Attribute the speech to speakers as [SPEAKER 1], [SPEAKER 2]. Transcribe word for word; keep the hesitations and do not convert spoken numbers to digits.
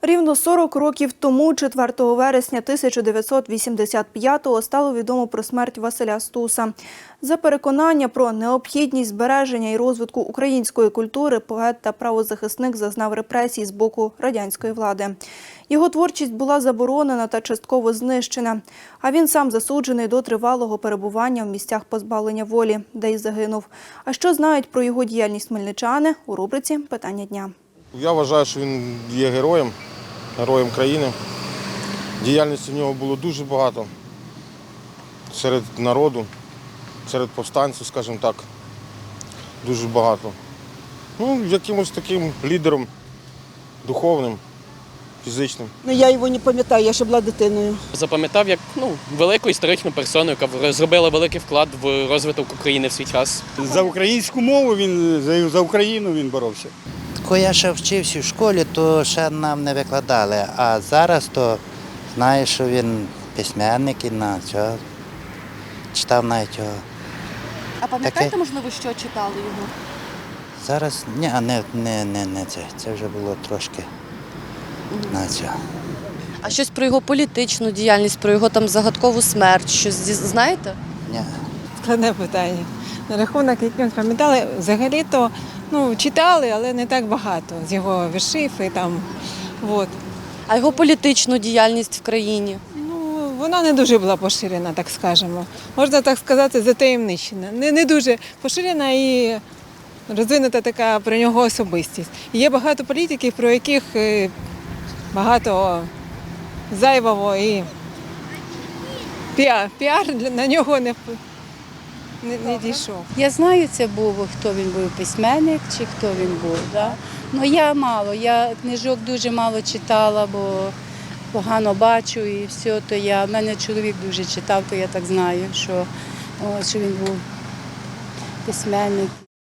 [SPEAKER 1] Рівно сорок років тому, четвертого вересня тисяча дев'ятсот вісімдесят п'ятого, стало відомо про смерть Василя Стуса. За переконання про необхідність збереження і розвитку української культури поет та правозахисник зазнав репресій з боку радянської влади. Його творчість була заборонена та частково знищена, а він сам засуджений до тривалого перебування в місцях позбавлення волі, де й загинув. А що знають про його діяльність хмельничани у рубриці «Питання дня».
[SPEAKER 2] Я вважаю, що він є героєм, героєм країни. Діяльності в нього було дуже багато серед народу, серед повстанців, скажімо так, дуже багато. Ну, якимось таким лідером духовним, фізичним.
[SPEAKER 3] Ну, я його не пам'ятаю, я ще була дитиною.
[SPEAKER 4] Запам'ятав як ну, велику історичну персону, яка зробила великий вклад в розвиток України в свій час.
[SPEAKER 5] За українську мову він, за, за Україну він боровся.
[SPEAKER 6] Коли я ще вчився в школі, то ще нам не викладали, а зараз то знаю, що він письменник і на цього читав навіть його.
[SPEAKER 7] А пам'ятаєте,
[SPEAKER 6] Таке?
[SPEAKER 7] можливо, що читали його?
[SPEAKER 6] Зараз ні, а не, не, не, не це. Це вже було трошки на цього.
[SPEAKER 7] А щось про його політичну діяльність, про його там загадкову смерть, щось знаєте?
[SPEAKER 6] Ні.
[SPEAKER 8] Складне питання. На рахунок, яким пам'ятали, взагалі-то ну, читали, але не так багато з його віршів і там. От.
[SPEAKER 7] А його політичну діяльність в країні?
[SPEAKER 8] Ну, вона не дуже була поширена, так скажемо. Можна так сказати, затаємничена. Не, не дуже поширена і розвинута така про нього особистість. І є багато політиків, про яких е, багато зайвого і піар, піар на нього не Не, не дійшов.
[SPEAKER 9] Я знаю, це був, хто він був, письменник чи хто він був. Да? Ну я мало, я книжок дуже мало читала, бо погано бачу і все, то я, в мене чоловік дуже читав, то я так знаю, що, о, що він був письменник.